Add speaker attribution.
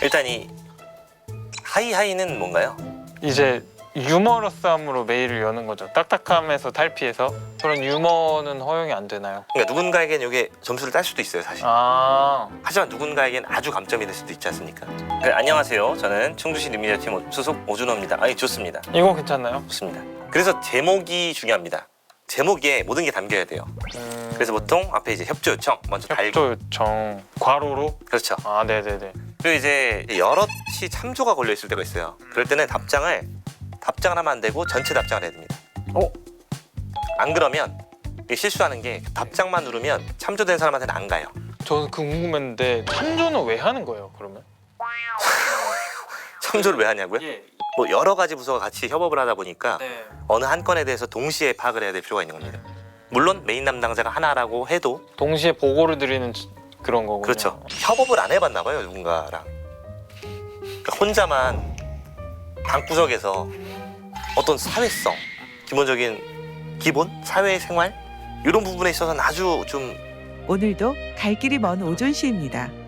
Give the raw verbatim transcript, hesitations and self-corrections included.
Speaker 1: 일단 이 하이하이는 뭔가요?
Speaker 2: 이제 유머러스함으로 메일을 여는 거죠. 딱딱함에서 탈피해서. 그런 유머는 허용이 안 되나요?
Speaker 1: 그러니까 누군가에겐 이게 점수를 딸 수도 있어요, 사실.
Speaker 2: 아,
Speaker 1: 하지만 누군가에겐 아주 감점이 될 수도 있지 않습니까? 네, 안녕하세요. 저는 충주시 뉴미디어팀 소속 오준호입니다. 아니, 좋습니다.
Speaker 2: 이건 괜찮나요?
Speaker 1: 좋습니다. 그래서 제목이 중요합니다. 제목에 모든 게 담겨야 돼요.
Speaker 2: 음...
Speaker 1: 그래서 보통 앞에 이제 협조 요청 먼저 달고.
Speaker 2: 협조 요청 괄호로?
Speaker 1: 그렇죠.
Speaker 2: 아, 네네네.
Speaker 1: 그리고 이제 여럿이 참조가 걸려 있을 때가 있어요. 그럴 때는 답장을 답장을 하면 안 되고 전체 답장을 해야 됩니다.
Speaker 2: 어?
Speaker 1: 안 그러면 이게 실수하는 게 답장만 누르면 참조된 사람한테는 안 가요.
Speaker 2: 저는 그 궁금했는데 참조는 왜 하는 거예요, 그러면?
Speaker 1: 참조를 왜 하냐고요?
Speaker 2: 예.
Speaker 1: 뭐 여러 가지 부서가 같이 협업을 하다 보니까
Speaker 2: 네.
Speaker 1: 어느 한 건에 대해서 동시에 파악을 해야 될 필요가 있는 겁니다. 물론 메인 담당자가 하나라고 해도
Speaker 2: 동시에 보고를 드리는 그런 거군요.
Speaker 1: 그렇죠. 협업을 안 해봤나 봐요, 누군가랑. 그러니까 혼자만 방구석에서 어떤 사회성, 기본적인 기본 사회생활 이런 부분에 있어서는 아주 좀
Speaker 3: 오늘도 갈 길이 먼 오존 씨입니다.